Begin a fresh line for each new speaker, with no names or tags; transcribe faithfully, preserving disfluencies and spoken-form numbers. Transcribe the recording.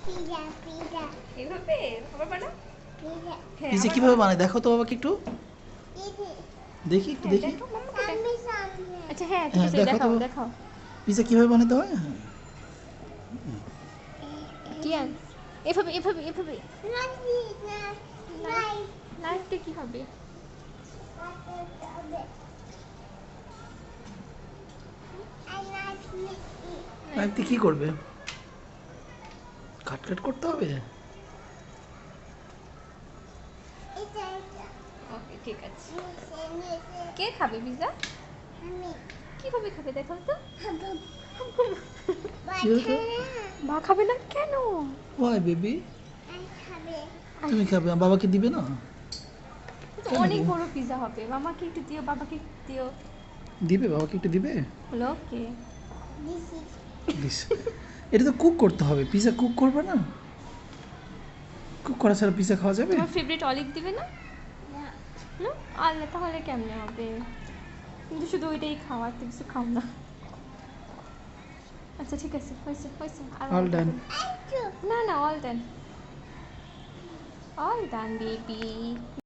Pizza pizza
এভাবে আবার বানাও।
পিজা
হ্যাঁ,
পিজা
আবার
কিভাবে
বানাও।
বানায় দেখো তো বাবাকে একটু
পিজা
দেখি একটু
হ্যাঁ,
দেখি
দেখো মাম্মাকে দেখো।
সামনে সামনে
আচ্ছা হ্যাঁ ঠিক
হ্যাঁ,
আছে,
দেখো
দেখাও
তো।
দেখাও।
পিজা কিভাবে বানাতে হয় হ্যাঁ।
কিয়ান এভাবে এভাবে এভাবে।
নাচি না নাই
লাইফটা কি হবে?
আই নাচি
নাইফ কি করবে কাট কাট করতে হবে
এটা এটা
ওকে ঠিক আছে।
নিচে নিচে
কে খাবে পিজা?
আমি
কিভাবে খাবে দেখাও তো।
খাবো
কি হয়েছে?
মা খাবে না কেন?
ওয়াই বেবি
আই খাবে
তুমি খাবে আর বাবাকে দিবে না
তো
কেন
অনেক
দিবে?
বড় পিজা হবে, মামাকে একটু দিও, বাবাকে একটু দিও।
দিবে বাবাকে একটু দিবে
হলো ওকে।
দিস ইজ
দিস এটা তো কুক করতে হবে পিজা কুক করবে না কুক করা ছাড়া পিজা খাওয়া যাবে
তোমার ফেভারিট অলিভ দিবে না?
না
না আল্লাহ, তাহলে কেমনে হবে? কিন্তু শুধু ওইটাই খাও, আর তো কিছু খাও না। আচ্ছা ঠিক আছে, হয়েছে হয়েছে আর
All
অল্প
done.
দিন।
একটু
না না all done, all done baby.